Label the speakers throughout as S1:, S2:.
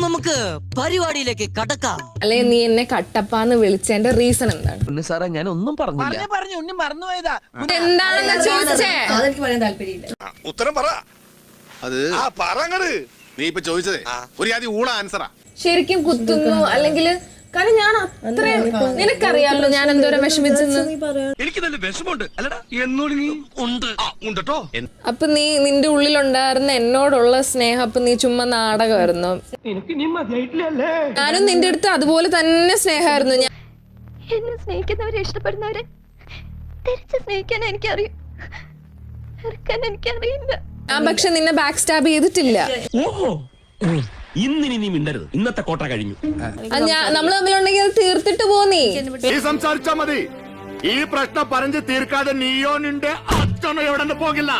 S1: നമുക്ക് പരിപാടിയിലേക്ക് കടക്കാം.
S2: അല്ലെ നീ എന്നെ കട്ടപ്പാന്ന് വിളിച്ചതിന്റെ റീസൺ എന്താണ്?
S3: സാറേ ഞാൻ ഒന്നും പറഞ്ഞില്ല.
S4: പറഞ്ഞു ഉണ്ണി മറന്നുപോയതാ.
S2: എന്താണെന്ന് ചോദിച്ചേ?
S5: അതെനിക്ക് പറയാൻ താല്പര്യമില്ല.
S6: ഉത്തരം പറ. അത് പറങ്ങട്. നീ ഇപ്പൊ ചോദിച്ചതേ ഒരു ആദ്യം ഊള ആൻസറാ.
S2: ശരിക്കും കുത്തുന്നു അല്ലെങ്കിൽ കാരണം ഞാൻ അത്രയും നിനക്കറിയാമല്ലോ ഞാൻ എന്തോരം വിഷമിച്ചെന്ന്.
S3: എനിക്ക് നല്ല വിഷമുണ്ട് അല്ലടാ എന്നോട് നീ ഉണ്ടോ.
S2: അപ്പൊ നീ നിന്റെ ഉള്ളിലുണ്ടായിരുന്ന എന്നോടുള്ള സ്നേഹം അപ്പൊ നീ ചുമ്മാ നാടകമായിരുന്നു. ഞാനും നിന്റെ അടുത്ത് അതുപോലെ തന്നെ സ്നേഹമായിരുന്നു.
S7: എന്നെ സ്നേഹിക്കുന്നവരെ ഇഷ്ടപ്പെടുന്നവരെ തിരിച്ച് സ്നേഹിക്കാൻ എനിക്കറിയും, എനിക്കറിയില്ല.
S2: ഞാൻ പക്ഷെ നിന്നെ ബാക്ക് സ്റ്റാബ് ചെയ്തിട്ടില്ല.
S8: ഇന്നിനി നീ മിണ്ടരുത്. ഇന്നത്തെ കോട്ട കഴിഞ്ഞു.
S2: നമ്മൾ തമ്മിലുണ്ടെങ്കിൽ അത് തീർത്തിട്ട് പോന്നീ.
S6: നീ സംസാരിച്ചാ മതി. ഈ പ്രശ്നം പറഞ്ഞു തീർക്കാതെ നീയോ നിന്റെ അച്ഛനോ എവിടെ പോകില്ല.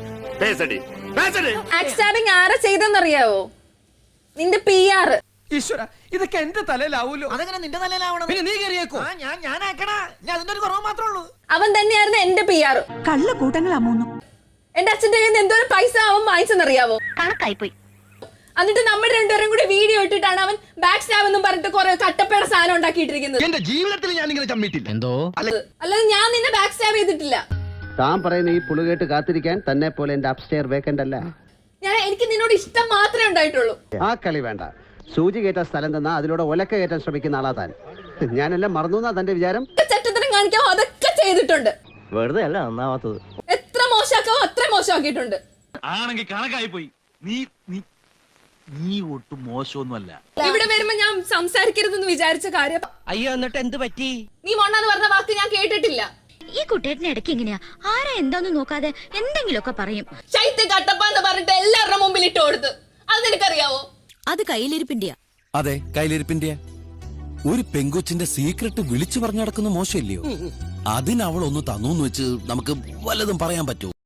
S2: ബാക്ക് സ്റ്റാബിങ് ആരാ ചെയ്തെന്നറിയാവോ? നിന്റെ PR.
S4: ഈശ്വര, ഇതൊക്കെ എന്റെ തലയിലാവൂലോ. അതെങ്ങനെ നിന്റെ തലയിലാവണം? പിന്നെ നീ കയറിയേക്കോ? ഞാൻ ആക്കണ. ഞാൻ അതിന്റെ ഒരു കുറവ് മാത്രമേ ഉള്ളൂ.
S2: അവൻ തന്നെയായിരുന്നു എന്റെ PR.
S5: കള്ളക്കൂട്ടങ്ങളാ മൂന്നും.
S2: എന്റെ അച്ഛന്റെ കയ്യിൽ നിന്ന് എന്തോരം പൈസ അവൻ വാങ്ങിച്ചെന്നറിയാവോ?
S7: കണക്കായിപ്പോയി.
S2: എന്നിട്ട് നമ്മൾ രണ്ടുപേരും കൂടി വീഡിയോ ഇട്ടിട്ടാണ് അവൻ ബാക്ക് സ്റ്റാബ് എന്നും പറഞ്ഞിട്ട് കുറെ കട്ടപ്പേട സാധനം ഉണ്ടാക്കിയിട്ടിരിക്കുന്നത്.
S3: എന്റെ ജീവിതത്തിൽ ഞാൻ ഇങ്ങനെ ചമ്മിട്ടില്ല. എന്തോ
S2: അല്ലാതെ ഞാൻ നിന്നെ ബാക്ക് സ്റ്റാബ് ചെയ്തിട്ടില്ല.
S9: താൻ പറയുന്ന ഈ പുളുകേട്ട് കാത്തിരിക്കാൻ തന്നെ പോലെ എന്റെ അപ്സ്റ്റെയർ വേക്കന്റ് അല്ല.
S2: എനിക്ക് നിന്നോട് ഇഷ്ടം മാത്രമേ ഉണ്ടായിട്ടുള്ളൂ.
S9: ആ കളി വേണ്ട. സൂചി കയറ്റാൻ സ്ഥലം തന്നാ അതിലൂടെ ഒലക്ക കയറ്റാൻ ശ്രമിക്കുന്ന ആളാ താൻ. ഞാനെല്ലാം മറന്നു എന്നാ തന്റെ വിചാരം?
S2: ചട്ടത്തരം കാണിക്കാവോ അതൊക്കെ ചെയ്തിട്ടുണ്ട്.
S9: വെറുതെ അല്ല നന്നാവാത്തത്.
S2: എത്ര മോശമാക്കാവോ അത്ര മോശമാക്കിയിട്ടുണ്ട്.
S8: ആണെങ്കിൽ കണക്കായി പോയി. നീ ഒട്ടും മോശമൊന്നുമല്ല.
S2: ഇവിടെ വരുമ്പോ ഞാൻ സംസാരിക്കരുതെന്ന് വിചാരിച്ച കാര്യം.
S1: അയ്യോ എന്നിട്ട് എന്ത് പറ്റി?
S2: നീ മൊണ്ണാന്ന് പറഞ്ഞ വാക്ക് ഞാൻ കേട്ടിട്ടില്ല.
S7: ഈ കുട്ടേട്ടന് ഇടയ്ക്ക് എങ്ങനെയാ ആരാ എന്താന്ന് നോക്കാതെ എന്തെങ്കിലുമൊക്കെ പറയും.
S2: ശൈത്യ കട്ടപ്പാന്ന് പറഞ്ഞിട്ട് എല്ലാവരുടെ മുമ്പിൽ ഇട്ട് കൊടുത്ത്. അത് നിനക്കറിയാവോ?
S5: അത് കയ്യിലിരിപ്പിന്റെയാ.
S10: അതെ കയ്യിലിരിപ്പിന്റെ. ഒരു പെങ്കൊച്ചിന്റെ സീക്രട്ട് വിളിച്ചു പറഞ്ഞു നടക്കുന്ന മോശമില്ലയോ? അതിനവൾ ഒന്ന് തന്നൂന്ന് വെച്ച് നമുക്ക് വല്ലതും പറയാൻ പറ്റുമോ?